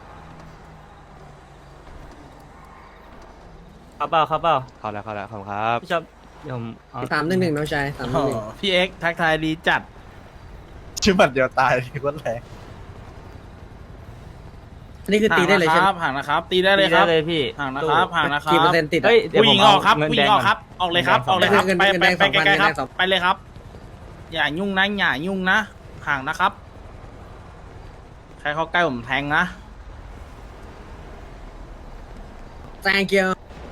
Speaker 4: เข้าเปล่าเข้าเปล่า
Speaker 9: เข้าแล้วเข้าแล้วขอบคุณครับ
Speaker 4: พี่ชอบเดี๋ยวผมเอา
Speaker 6: สามหนึ่งหนึ่งน้องชายสามหนึ่งหนึ่ง
Speaker 8: พี่เอ็กทักทายดีจัด
Speaker 5: ชื่อหมัดเดียวตายคนแรง
Speaker 6: อันนี้คือตีได้เลยใช่ไหม
Speaker 8: ห่างนะครับตีได้เลย
Speaker 4: ตี
Speaker 8: ค
Speaker 4: ได้
Speaker 8: รับ
Speaker 4: เลยพี่
Speaker 8: ห่างนะครับห่างนะครับ
Speaker 6: กี่เปอร์เซ็นต์ติดอะ
Speaker 4: เฮ้ยเดี๋ยว
Speaker 8: ผู้ห
Speaker 4: ผ
Speaker 8: ญิ
Speaker 4: ม
Speaker 8: งออกครับ
Speaker 4: เงิน
Speaker 8: ผู้ห
Speaker 4: แด
Speaker 8: ญิ
Speaker 4: ง
Speaker 8: งออกครับ ออกเลยครับออกเลยครับ
Speaker 6: เงิน
Speaker 8: ไป
Speaker 6: เงิน
Speaker 8: ไป
Speaker 6: แดง
Speaker 8: ไป
Speaker 6: สองพัน
Speaker 8: ไกลๆครับ
Speaker 6: เงินแดงสอง
Speaker 8: ไปเลยครับ อย่ายุ่งนะอย่ายุ่งนะห่างนะครับ ใครเข้าใกล้ผมแทงนะ
Speaker 6: thank you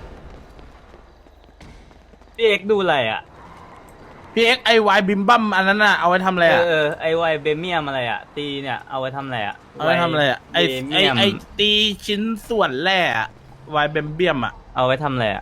Speaker 4: พี่เอ็กซ์ดูอะไรอ่ะ
Speaker 8: พี่เอ็กไอวายบิมบัมอันนั้นน่ะเอาไว้ทำอะไร
Speaker 4: เอ
Speaker 8: อ่ะ
Speaker 4: อเออไอไวเบเมียมอะไรอ่ะ ตีเนี่ยเอาไว้ทำอะไรอ่ะ
Speaker 8: เอาไว้ทำอะไรอ่ะไอ
Speaker 4: เบ
Speaker 8: ไอ
Speaker 4: เมียม
Speaker 8: ไอตีชิ้นส่วนแร่อะวายเบมเบียมอ่ะ
Speaker 4: เอาไว้ทำอะไรอ่ะ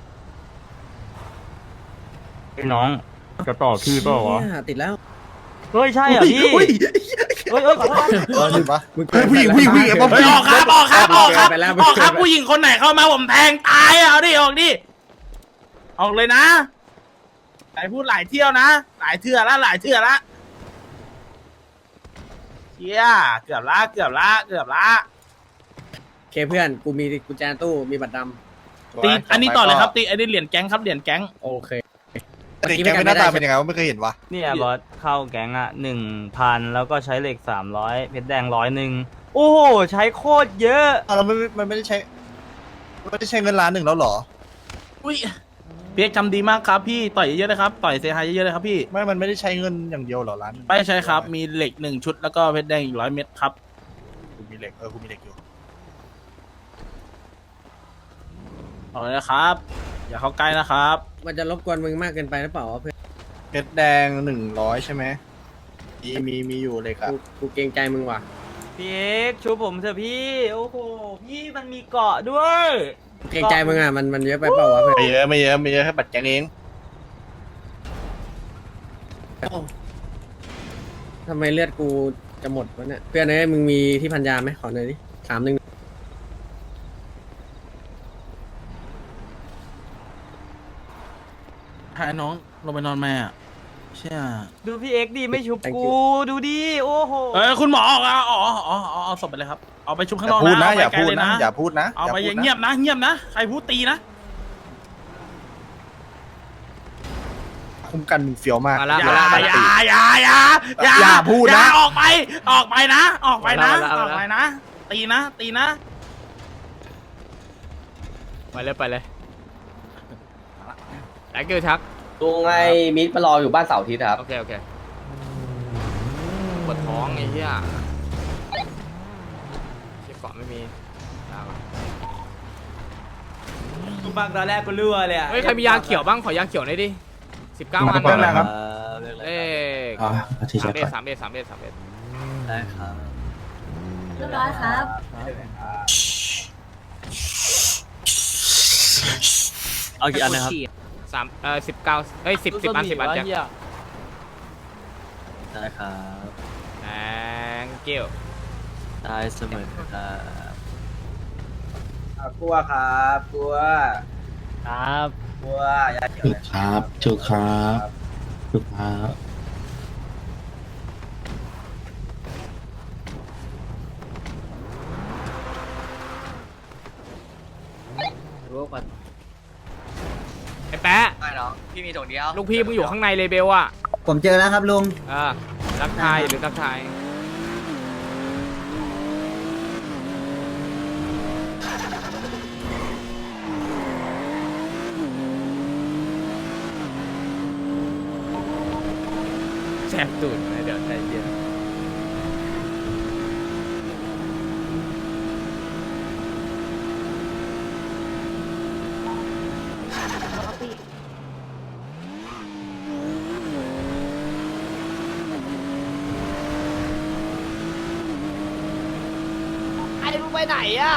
Speaker 4: ไอ้น้องจะต่อพี่เปล่าวะ
Speaker 6: เชี่ยติดแล้ว
Speaker 4: เฮ้ยใช่เหรอพี่
Speaker 5: อุ้ย
Speaker 4: เฮ้ยเฮ้ยขอโทษ
Speaker 5: เออดิปะ
Speaker 6: มึง
Speaker 5: เฮ้ยผู้หญิงผู้หญิงผู้หญิงไอ้บ๊อบ
Speaker 8: เฮ้ยออกครับออกครับออกครับ
Speaker 6: ไปแล้ว
Speaker 8: ออกครับผู้หญิงคนไหนเข้ามาผมแทงตายอะเอาดิออกดิออกเลยนะไหนพูดหลายเที่ยวนะ หลายเทื่อละหลายเทื่อละเชี่ยเกือบละเกือบละเกือบละ
Speaker 5: เคเพื่อนกูมีกุญแจตู้มีบัตรด
Speaker 8: ตีอันนี้ต่อเลยครับตีอันนี้เหรียญแก๊งครับเหรียญแก๊ง
Speaker 5: ำโอเค
Speaker 11: เด็กแก๊งเป็นหน้าตาเป็นยังไงวะไม่เคยเห็นวะ
Speaker 4: เนี่ยบอสเข้าแก๊งอ่ะหนึ่งพันแล้วก็ใช้เหล็กสามร้อยเพชรแดงร้อยหนึ่งโอ้โหใช้โคตรเยอะ
Speaker 11: อ่ะเราไม่มันไม่ได้ใช้ไม่ได้ใช้เงินล้านหนึ่งแล้วเหรอ
Speaker 8: อุ้ยเพียกจำดีมากครับพี่ต่อยเยอะๆเลยครับต่อยเซฮายเยอะๆเลยครับพี่
Speaker 11: ไม่มันไม่ได้ใช้เงินอย่างเดียวเหรอล้านหนึ่ง
Speaker 8: ไม่ใช่ครับมีเหล็กหนึ่งชุดแล้วก็เพชรแดงอีกร้อยเม็ดครับ
Speaker 11: กูมีเหล็กเออกูมีเหล็กอยู่
Speaker 8: เอาเลยนะครับ อย่าเข้าใกล้นะครับ
Speaker 5: มันจะรบกวนมึงมากเกินไปหรือเปล่าวะเพื่อน
Speaker 11: เพชรแดงหนึ่งร้อยใช่ไหมมีมีมีอยู่เหล็กอะ
Speaker 5: กูกูเกรงใจมึงว่ะ
Speaker 4: พี่เอกชูผมเถอะพี่โอ้โหพี่มันมีเกาะด้วย
Speaker 5: เกรงใจมึงอ่ะมันมันเยอะไปเปล่าวะเพื่อน
Speaker 11: ไม่เยอะไม่เยอะไม่เยอะแค่บัตรแก๊งเอง
Speaker 5: ทำไมเลือดกูจะหมดวะเนี่ยเพื่อนเอ้ยมึงมีที่พันยาไหมขอหน่อยดิสามหนึ่ง
Speaker 8: ให้น้องลงไปนอนแม่อะเชี่ย
Speaker 4: ดูพี่เอกดีไม่ชุบกูดูดิโอ้โห
Speaker 8: เอ้ยคุณหมอออกอ่ะอ๋ออ๋ออ๋อเอาศพไปเลยครับเอาไปชุบข้างนอก
Speaker 11: พูดนะ
Speaker 8: นะ
Speaker 11: อย่า
Speaker 8: เไปไกล
Speaker 11: พูด
Speaker 8: เลย
Speaker 11: นะอย่าพูดนะ
Speaker 8: เอาไป
Speaker 11: พูดนะ
Speaker 8: เงียบนะเงียบนะใครพูดตีนะ
Speaker 11: คุ้มกันมึงเฟี้ยวมาก
Speaker 3: มาละ
Speaker 8: อย่า
Speaker 3: มาละมา
Speaker 8: อ
Speaker 3: ละ
Speaker 8: ย่าอย่าอย่าอย่า
Speaker 11: อย่าพูดนะ
Speaker 8: อย่าออกไปออกไปนะออกไปนะ
Speaker 3: เอาละเอาละ
Speaker 8: ออกไปนะ ตีนะ ตีนะ
Speaker 3: ไปเลยไปเลยแล้เกิลชัก
Speaker 6: ลุงไอ้มิตรมารออยู่บ้านเสาร์อาทิตย์ครับ
Speaker 3: โอเคโอเคปวดท้องไอ้เหี้ยเชี่ยเกาะไม่มีลาก่อน
Speaker 4: กูฟังตอนแรกกูรั่วเลยอะ
Speaker 3: เฮ้ยใครมียาเขียวบ้างขอยาเขียวหน่อยดิสิบเก้าอัน
Speaker 11: เรื่องอะไรครับ
Speaker 3: เอ้ย
Speaker 7: อ๋ออาทิตย์
Speaker 3: สาม
Speaker 7: ละ
Speaker 3: เอ็ด
Speaker 7: ก่อน
Speaker 3: สามเอ็ดสามเอ็ดสามเอ็ด
Speaker 4: ได้ครับ
Speaker 10: เรียบร้อยครับ
Speaker 4: เอากี่อันนะครับ
Speaker 3: สามเอ่อสิบเก้าเอ้ยสิบสิบอันสิบอันจ้ะ
Speaker 4: ได้ครับ
Speaker 3: แองเกิล
Speaker 4: ได้เสมอครับ
Speaker 1: กลัวครับกลัว
Speaker 4: ครับ
Speaker 1: กลัวอย่าเขียว
Speaker 7: ถูกครับถูกครับถูกครับ
Speaker 3: ไอ้แป๊ะ
Speaker 6: ไม่เนาะพี่มีถุงเดียว
Speaker 3: ลูกพี่มึงอยู่ข้างในเลยเบลอะ
Speaker 5: ผมเจอแล้วครับลุง
Speaker 3: เออทักทายหรือทักทายแสบตูดนะเดี๋ยวใจเย็น
Speaker 6: ไอ้มึงไปไหนอ่ะ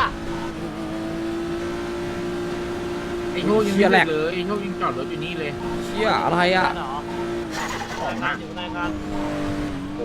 Speaker 8: ไอ้โง่ยังไม่เลยไอ้โง่ยังจอดรถอยู่นี่เลย
Speaker 3: เชี่ยอะไรอ่ะ
Speaker 8: ของนะอยู่ในการ
Speaker 3: โอ้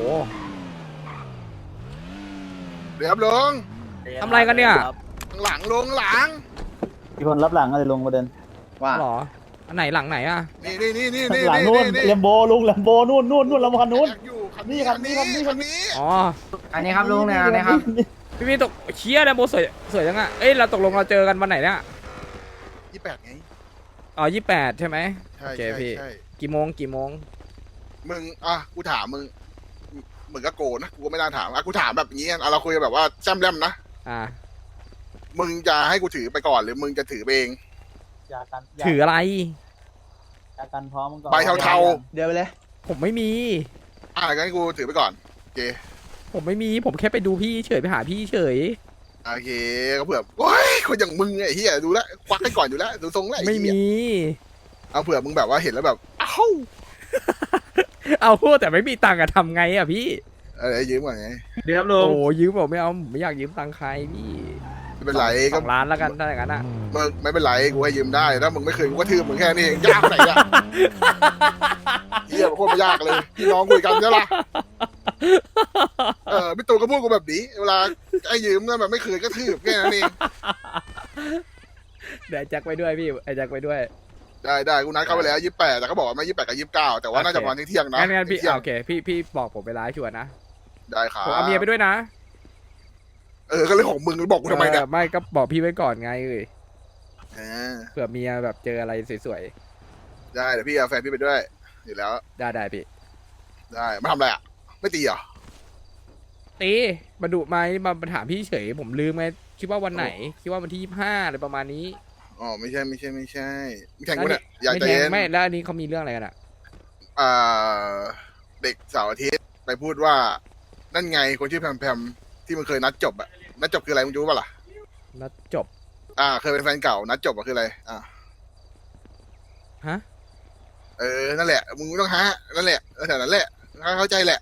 Speaker 11: เดี๋ยวลง
Speaker 3: ทำอะไรกันเนี่ย
Speaker 11: หลังลงหลัง
Speaker 1: มีคนรับหลังอะไรลงประเด็นว่า
Speaker 3: หรออันไหนหลังไหนอ่ะ
Speaker 11: นี่นี่นี่นี่นี่
Speaker 1: หลังนู่นเลมโบลุงเลมโบนู่นนู่นนู่นลำพันนู่น
Speaker 11: อยู่คัน
Speaker 1: นี่
Speaker 11: นี้
Speaker 1: คั
Speaker 11: คั
Speaker 1: น
Speaker 11: น
Speaker 1: นี้
Speaker 11: นี้
Speaker 1: คั
Speaker 11: คั
Speaker 1: น
Speaker 11: น
Speaker 1: นี้
Speaker 11: นี้
Speaker 3: อ๋อ
Speaker 5: อันนี้ครับลุงเนี่ยอันนี้ครับ
Speaker 3: พี่มีตกเชี่ยนะโบสวยสวยจังอ่ะเอ้ยเราตกลงเราเจอกันวันไหนเนี่ย
Speaker 11: ยี่แปดไง
Speaker 3: อ๋อยี่แปดใช่ไหม
Speaker 11: ใช่
Speaker 3: โอเค
Speaker 11: ใช่
Speaker 3: พี่
Speaker 11: ใช่
Speaker 3: กี่โมงกี่โมง
Speaker 11: มึงอ่ะกูถามมึงมึงก็โกนนะกูก็ไม่น่าถามอ่ะกูถามแบบนี้อ่ะเราคุยกันแบบว่าแซมแรมนะ
Speaker 3: อ่า
Speaker 11: มึงจะให้กูถือไปก่อนหรือมึงจะถือไปเอง
Speaker 1: ยากัน
Speaker 3: ถืออะไร
Speaker 1: ยากันพร้อมก่อน
Speaker 11: ใบเทา
Speaker 1: เดี๋ยวไปเลย
Speaker 3: ผมไม่มี
Speaker 11: ๆอ่ะงั้นกูถือไปก่อนโอเค
Speaker 3: ผมไม่มีผมแค่ไปดูพี่เฉยไปหาพี่เฉย
Speaker 11: โอเคก็เผื่อโอ้ยคนอย่างมึงไอ้เหี้ยดูแลวควักให้ก่อนอยู่แล้วดูทรงแล้วอ้
Speaker 3: ไม่
Speaker 11: เหี้ย
Speaker 3: มี
Speaker 11: เอาเผื่อมึงแบบว่าเห็นแล้วแบบเอ้า
Speaker 3: เอาพูดแต่ไม่มีตังค์อะทำไงอะพี่
Speaker 11: เอะไรยืมก่อนไง
Speaker 8: เดี๋ยวครับลุง
Speaker 3: โอ้ยืมบอกไม่เอาผมไม่อยากยืมตังค์ใครพี่
Speaker 11: ไม่เป็นไร
Speaker 3: ส
Speaker 11: ก็
Speaker 3: องล้านแล้วกันถ้าอย่างนั้นอะ
Speaker 11: มึงไม่เป็นไรกูให้ยืมได้ถ้ามึงไม่เคยกูก็ทืบมึงแค่นี้เองยากไหนอะเหี้ยโคตรไม่ยากเลยพี่น้องคุยกันใช่ปะเออพี่ตูนก็พูดกูแบบนี้เวลาไอ้ยืมนะแบบไม่เคยก็ทืบแค่นั้นเอง
Speaker 3: เดี๋ยวไอ้แจ็คไปด้วยพี่ไอ้แจ็คไปด้วย
Speaker 11: ได้ได้กูนัดเขาไปแล้วยี่แปดแต่เขาบอกว่าไม่ยี่แปดกับยี่สิบเก้าแต่ว่าน่าจะประมาณเที่ยงๆนะ
Speaker 3: งั้นงั้นพี่
Speaker 11: เที่ยง
Speaker 3: โอเคพี่พี่บอกผมไปไลฟ์ชวนนะ
Speaker 11: ได้ครับ
Speaker 3: ผมเอาเมียไปด้วยนะ
Speaker 11: เออก็เลยของมึงบอกกูทำไมเนี่ย
Speaker 3: ออไม่ก็บอกพี่ไว้ก่อนไงเอ้ย
Speaker 11: เออ
Speaker 3: เผื่อเมียแบบเจออะไรสวย
Speaker 11: ได้เดี๋ยวพี่เอาแฟนพี่ไปด้วยอยู่แล้ว
Speaker 3: ๆได้ได้พี่
Speaker 11: ได้มาทำอะไรอ่ะไม่ตีเหรอ
Speaker 3: ตีมาดุไหมมามาถามพี่เฉยผมลืมไงคิดว่าวันไหน คิดว่าวันที่ยี่สิบห้าอะไรประมาณนี้
Speaker 11: อ๋อไม่ใช่ไม่ใช่ไม่ใช่ไม่แข่งกูเนี่ยอยาก
Speaker 3: ไม่
Speaker 11: ใจ
Speaker 3: แท
Speaker 11: เย็
Speaker 3: ง
Speaker 11: น
Speaker 3: ไม่แล้วอันนี้เขามีเรื่องอะไรกันอ่ะ
Speaker 11: อ่าเด็กเสาร์อาทิตย์ไปพูดว่า นั่นไงคนชื่อแพมแพมที่มันเคยนัดจบอะนัดจบคืออะไรมึงรู้ป่ะล่ะ
Speaker 3: นัดจบ
Speaker 11: อ่า เคยเป็นแฟนเก่านัดจบอะคืออะไรอ่า
Speaker 3: ฮะ
Speaker 11: เออนั่นแหละมึงไม่ต้องฮะนั่นแหละแถวนั้นแหละเข้าใจแหละ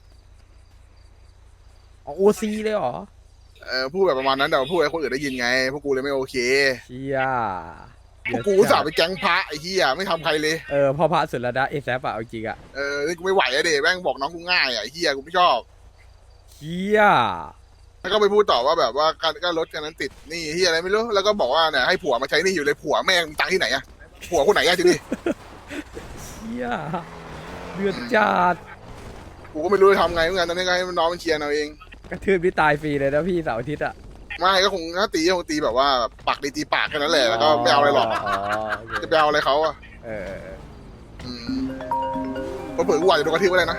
Speaker 3: อ๋อโอซีเลยเหรอ
Speaker 11: เออพูดแบบประมาณนั้นแต่ว่าพูดให้คนอื่นได้ยินไงพวกกูเลยไม่โอเค
Speaker 3: เชีย
Speaker 11: พวกกูอุตสาห์ไปแก๊งพระไอ้เหี้ยไม่ทำใครเลย
Speaker 3: เออพ่อพระสุรดาเอแซฟอะเอาจริงอะ
Speaker 11: เออนี่กูไม่ไหวอะเดแม่งบอกน้องกูง่ายอะไอ้เหี้ยกูไม่ชอบ
Speaker 3: เชีย
Speaker 11: แล้วก็ไปพูดต่อว่าแบบว่าการก็รถคันนั้นติดหนี่เหี้ยอะไรไม่รู้แล้วก็บอกว่าเนี่ยให้ผัวมาใช้หนี่อยู่เลยผัวแม่งตังค์ที่ไหนอะผัวคนไหนอะทีนี้
Speaker 3: เชียเดือดจัด
Speaker 11: กูก็ไม่รู้จะทำไงเหมือนกันตอนนี้ก็ให้น้องมันเชียร์เอาเอง
Speaker 3: กระทืบพี่ตายฟรีเลยนะพี่เสาร์อาทิตย์อะ
Speaker 11: ไม่ก็คงถ้าตีก็คงตีแบบว่าปากดีตีปากแค่นั้นแหละแล้วก็ไม่เอาอะไรหรอก
Speaker 3: อ๋อโอเค
Speaker 11: จะไปเอาอะไรเขาอะ
Speaker 3: เออเออเออ
Speaker 11: อืมเผื่อๆกูอาจจะโดนกระทืบก็ได้นะ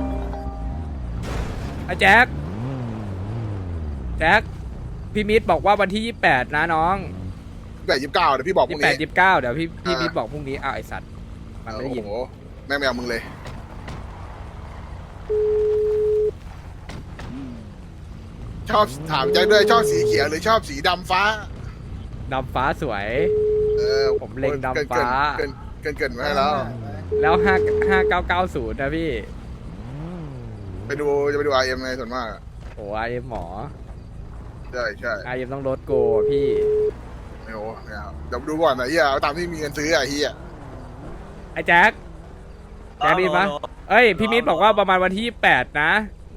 Speaker 3: ไอ้แจ็คแจ็คพี่มิตรบอกว่าวันที่ยี่สิบแปดนะน้อง
Speaker 11: แบบยี่สิบเก้าเดี๋ยวพี่บอกพ
Speaker 3: ยี่
Speaker 11: รุ่
Speaker 3: สิ
Speaker 11: ง
Speaker 3: บแปด
Speaker 11: นี้
Speaker 3: ยี่สิบเก้าเดี๋ยวพี่พี่
Speaker 11: อ่ามิ
Speaker 3: มิตรบอกพรุ่งนี้อ้าวไอสัตว์มันไม่ได้ยิน
Speaker 11: โอ้โหแม่งไม่เอามึงเลย ชอบถามแจ็คด้วยชอบสีเขียวหรือชอบสีดำฟ้า
Speaker 3: ดำฟ้าสวย
Speaker 11: เออ
Speaker 3: ผมเล็งดำฟ้า
Speaker 11: เกินเกินเกินเกินมาให้แล้ว
Speaker 3: แล้วห้าห้าเก้าเก้าศูนย์นะพี่
Speaker 11: ไปดูจะไปดูไอเอ็มไงส่วนมากอะ
Speaker 3: โอ้ไอเอ็มหมอ
Speaker 11: ใช่ใช่
Speaker 3: ไอเอ็มต้องลดโกอะพี่
Speaker 11: ไม่โอ้ไม่เอาเดี๋ยวดูก่อนนะเฮียเอาตามที่มีเงินซื้ออะเฮีย
Speaker 3: ไอแจ็คแจ็คดีปะเอ้ยพี่มิตรบอกว่าประมาณวันที่ยี่สิบแปดนะ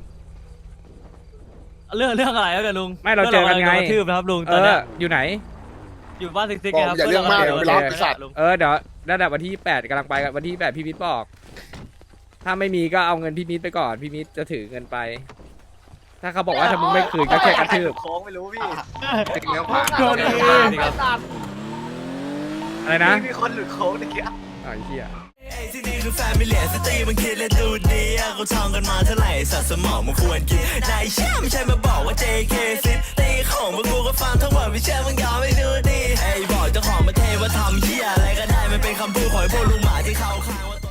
Speaker 4: เรื่องเรื่องอะไรแล้วกันลุง
Speaker 3: ไม่เราเจอกันไง
Speaker 4: รื่ระทืบนะครับลุง
Speaker 3: เอ
Speaker 4: ตอนเนี้
Speaker 3: อย อยู่ไหน
Speaker 4: อยู่บ้านซิกซิก
Speaker 11: บอก
Speaker 4: ครับ
Speaker 11: อย่าเรื่องมาก
Speaker 3: โอ
Speaker 11: เดี๋ยว
Speaker 3: เค
Speaker 11: ไปรับ
Speaker 3: โอเค
Speaker 11: ไอ้สัตว์
Speaker 4: ลุง
Speaker 3: เออเดี๋ยวระดับวันที่ยี่สิบแปดกำลังไปกันวันที่ยี่สิบแปดพี่มิตรบอก ถ้าไม่มีก็เอาเงินพี่มิตรไปก่อนพี่มิตรจะถือเงินไป ถ้าเขาบอกว่าถ้ามึงไม่คืนก็แค่กระทืบ
Speaker 1: โค้งไม่รู้พี่
Speaker 11: เลี้ยวขวา
Speaker 6: โดน
Speaker 4: ดีครับ
Speaker 3: อะไรนะ
Speaker 1: มีคนหลุดโค้งตะกี้
Speaker 3: อ๋อไอ้เหี้ย
Speaker 12: ที่นี่คือแฟมิเลียสตรีมันคิดและดูดีอะเขาท่องกันมาเท่าไหร่สัตว์สมองมันควรกินนายเชื่อไม่ใช่มาบอกว่า เจ เค ซิตีของพวกกูก็ฟังทั้งหมดไม่เชื่อมึงยอมไม่ดูดีไอ้บอกเจ้าของประเทศว่าทำเหี้ยอะไรก็ได้มันเป็นคำพูดของไอ้พวกลุงหมาที่เขาข้างว่า